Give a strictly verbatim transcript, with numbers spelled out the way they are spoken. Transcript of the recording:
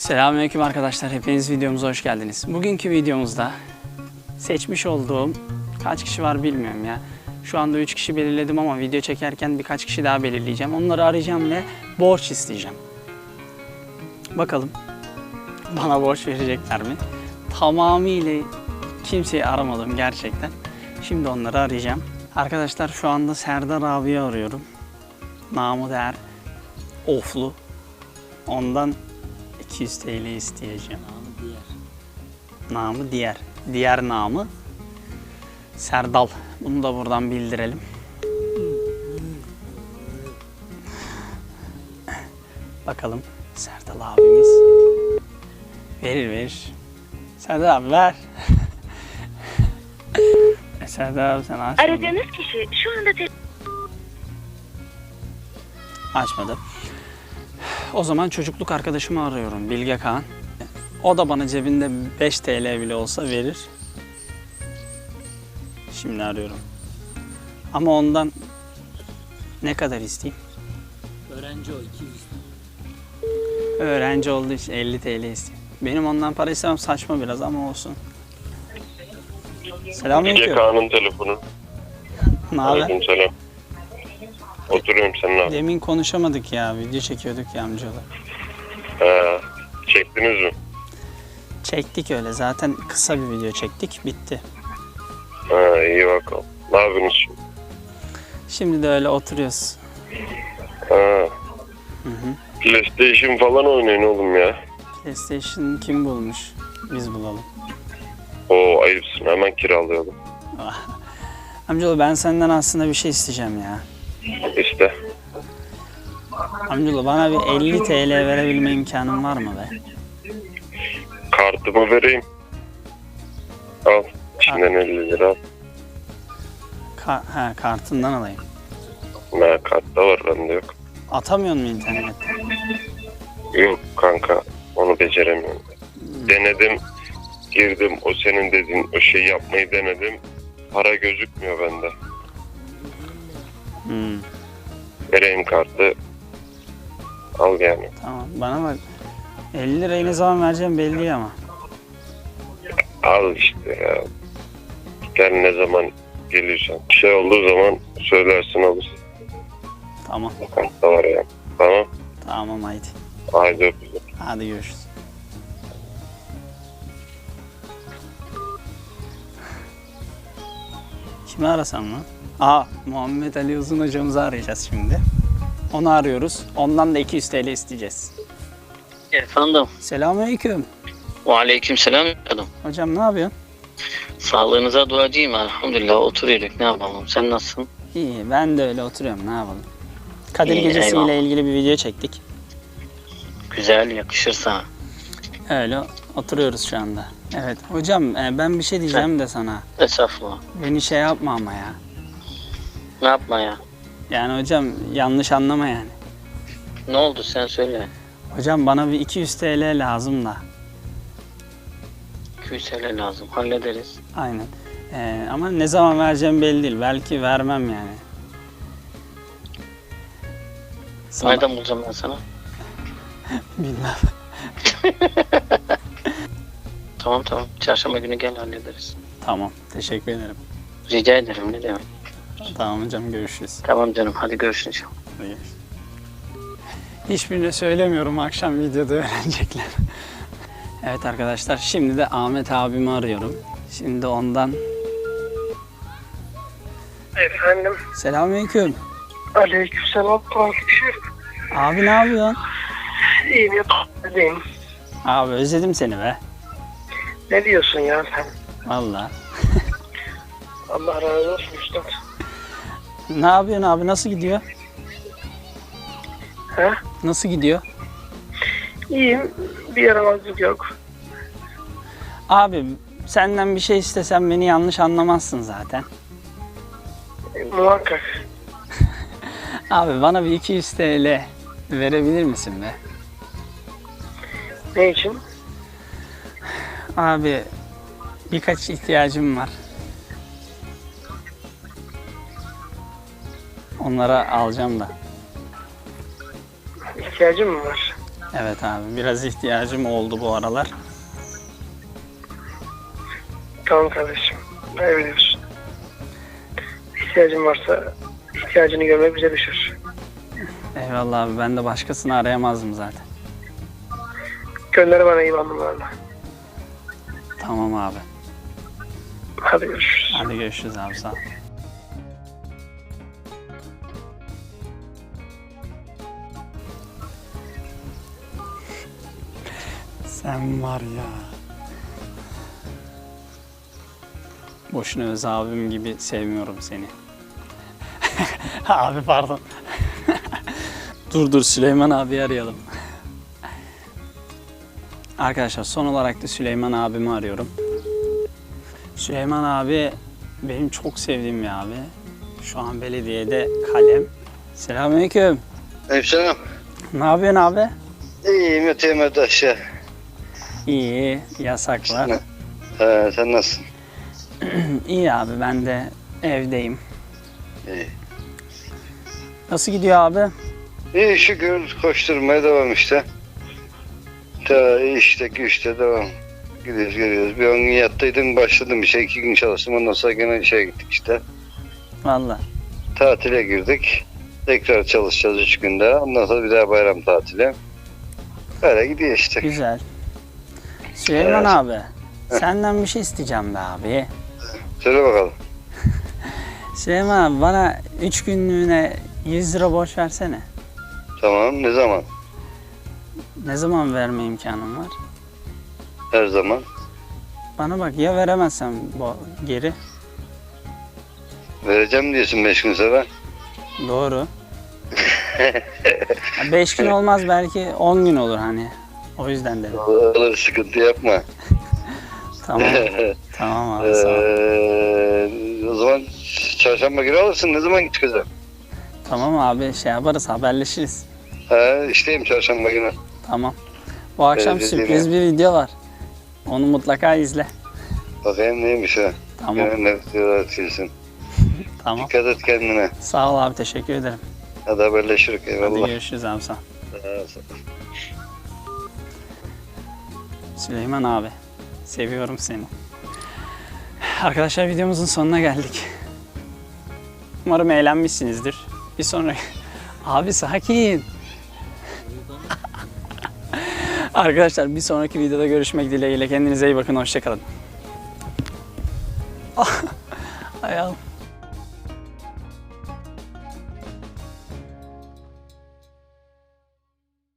Selamünaleyküm arkadaşlar, hepiniz videomuza hoş geldiniz. Bugünkü videomuzda seçmiş olduğum kaç kişi var bilmiyorum ya. Şu anda üç kişi belirledim ama video çekerken birkaç kişi daha belirleyeceğim. Onları arayacağım ve borç isteyeceğim. Bakalım bana borç verecekler mi? Tamamıyla kimseyi aramadım gerçekten. Şimdi onları arayacağım. Arkadaşlar şu anda Serdar abiyi arıyorum. Namı değer Oflu. Ondan iki yüz TL isteyeceğim. Namı diğer. Namı diğer. Diğer namı Serdal. Bunu da buradan bildirelim. Bakalım Serdal abimiz verir verir. Serdal abi ver. Serdal abi sen açmadın. Aradığınız kişi şu anda te- Açmadı. O zaman çocukluk arkadaşımı arıyorum, Bilge Kağan. O da bana cebinde beş TL bile olsa verir. Şimdi arıyorum. Ama ondan ne kadar isteyeyim? Öğrenci o iki yüz. Öğrenci olduğu için elli TL isteyeyim. Benim ondan para istemem saçma biraz ama olsun. Bilge Selamünaleyküm. Kağan'ın telefonu. Ne haber? Aleykümselam. Oturuyorum, sen ne yapıyorsun? Demin konuşamadık ya, video çekiyorduk ya amcalar. Ha, çektiniz mi? Çektik öyle, zaten kısa bir video çektik, bitti. Ha, iyi bakalım. Ne yapıyorsunuz şimdi? Şimdi de öyle oturuyoruz. Ha, Hı hı. PlayStation falan oynayın oğlum ya. PlayStation kim bulmuş? Biz bulalım. Oo, ayıpsın, hemen kiralayalım. Amcaoğlu ben senden aslında bir şey isteyeceğim ya. İşte. Amcaoğlu bana bir elli TL verebilme imkanın var mı be? Kartımı vereyim. Al. İçinden elli lira al. Ka ha, kartından alayım. Ne, kartta var, bende yok. Atamıyor mu internette? Yok kanka, onu beceremiyorum. Denedim, girdim, o senin dediğin o şeyi yapmayı denedim. Para gözükmüyor bende. Hmm, Vereyim kartı. Al yani. tamam bana bak. elli lirayı ne zaman vereceğim belli ama. Al işte ya. Gel ne zaman geliyorsan. Bir şey olduğu zaman söylersin, alırsın. Tamam. Kartta var ya. Tamam. Tamam haydi. Haydi öpüyorum. Hadi görüşürüz. Kimi arasam lan? Aa, Muhammed Ali Uzun hocamızı arayacağız şimdi. Onu arıyoruz. Ondan da iki yüz TL isteyeceğiz. Efendim. Selamünaleyküm. Aleykümselam canım. Hocam ne yapıyorsun? Sağlığınıza duacıyım elhamdülillah. Oturuyorduk, ne yapalım? Sen nasılsın? İyi, ben de öyle oturuyorum. Ne yapalım? Kadir İyi, Gecesi eyvallah. ile ilgili bir video çektik. Güzel, yakışır sana. Öyle oturuyoruz şu anda. Evet. Hocam e, ben bir şey diyeceğim de sana. Estağfurullah. Beni şey yapma ama ya. Ne yapma ya? Yani hocam yanlış anlama yani. Ne oldu, sen söyle. Hocam bana bir iki yüz TL lazım da. iki yüz TL lazım, hallederiz. Aynen. E, ama ne zaman vereceğim belli değil. Belki vermem yani. Sana- Nereden bulacağım ben sana? Bilmem. Tamam tamam, çarşamba günü gel, hallederiz. Tamam. Teşekkür ederim. Rica ederim, ne demek. Tamam hocam, görüşürüz. Tamam canım, hadi görüşürüz. Hadi görüşürüz. Hiçbirine söylemiyorum, akşam videoda öğrenecekler. Evet arkadaşlar, şimdi de Ahmet abimi arıyorum. Şimdi ondan... Efendim, Selamünaleyküm. aleykümselam kardeşim. Abi ne yapıyorsun? İyiyim, yapayım. Abi özledim seni be. Ne diyorsun ya sen? Vallahi. Allah razı olsun üstad. Ne yapıyorsun abi, nasıl gidiyor? He? Nasıl gidiyor? İyiyim, bir yaramazlık yok. Abi senden bir şey istesem beni yanlış anlamazsın zaten. E, muhakkak. Abi bana bir iki yüz TL verebilir misin be? Ne için? Abi birkaç ihtiyacım var. Onlara alacağım da. İhtiyacın mı var? Evet abi, biraz ihtiyacım oldu bu aralar. Tamam kardeşim. Ne biliyorsun? İhtiyacın varsa ihtiyacını görmek bize düşür. Eyvallah abi, ben de başkasını arayamazdım zaten. Gönder bana iyi numaralarla. Tamam abi. Hadi görüşürüz. Hadi görüşürüz abi, sağ ol. Sen var ya. Boşuna öz abim gibi sevmiyorum seni. Abi pardon. dur dur Süleyman abi arayalım. Arkadaşlar son olarak da Süleyman abimi arıyorum. Süleyman abi benim çok sevdiğim bir abi. Şu an belediyede kalem. Selamünaleyküm. Hemşerim. Ne yapıyorsun abi? İyiyim öteyim öte aşağı. İyi, yasaklar. He, sen nasılsın? İyi abi, ben de evdeyim. İyi. Nasıl gidiyor abi? İyi şükür koşturmaya devam işte. Ta işte güçte devam. Gidiyoruz geliyoruz. Bir on gün yattıydım başladım bir şey. iki gün çalıştım ondan sonra gene işe gittik işte. Vallahi. Tatile girdik. Tekrar çalışacağız üç günde. Ondan sonra bir daha bayram tatili. Böyle gidiyor işte. Güzel. Süleyman Evet. abi, senden bir şey isteyeceğim be abi. Söyle bakalım. Süleyman abi, bana üç günlüğüne yüz lira borç versene. Tamam ne zaman? Ne zaman verme imkanım var? Her zaman. Bana bak, ya veremezsem bu geri. Vereceğim diyorsun beş gün sonra. Doğru. Beş gün olmaz, belki on gün olur hani. O yüzden dedim. Öyle sıkıntı yapma. Tamam. Tamam abi, sağ ol. Ee, o zaman çarşamba günü alırsın. Ne zaman çıkacağım? Tamam abi, şey yaparız, haberleşiriz. Ha, işteyim çarşamba günü. Tamam. Bu akşam Evet, sürpriz bir video var. Onu mutlaka izle. Bakayım neymiş ha. Tamam. Gene ne videolar atıyorsun. Tamam. Dikkat et kendine. Sağ ol abi, teşekkür ederim. Hadi haberleşiriz. Hadi Eyvallah. görüşürüz abi, sağ ol. Ha, sağ ol. Süleyman abi, seviyorum seni. Arkadaşlar, videomuzun sonuna geldik. Umarım eğlenmişsinizdir. Bir sonraki... Abi sakin. Arkadaşlar, bir sonraki videoda görüşmek dileğiyle. Kendinize iyi bakın, hoşça kalın. Ayağım.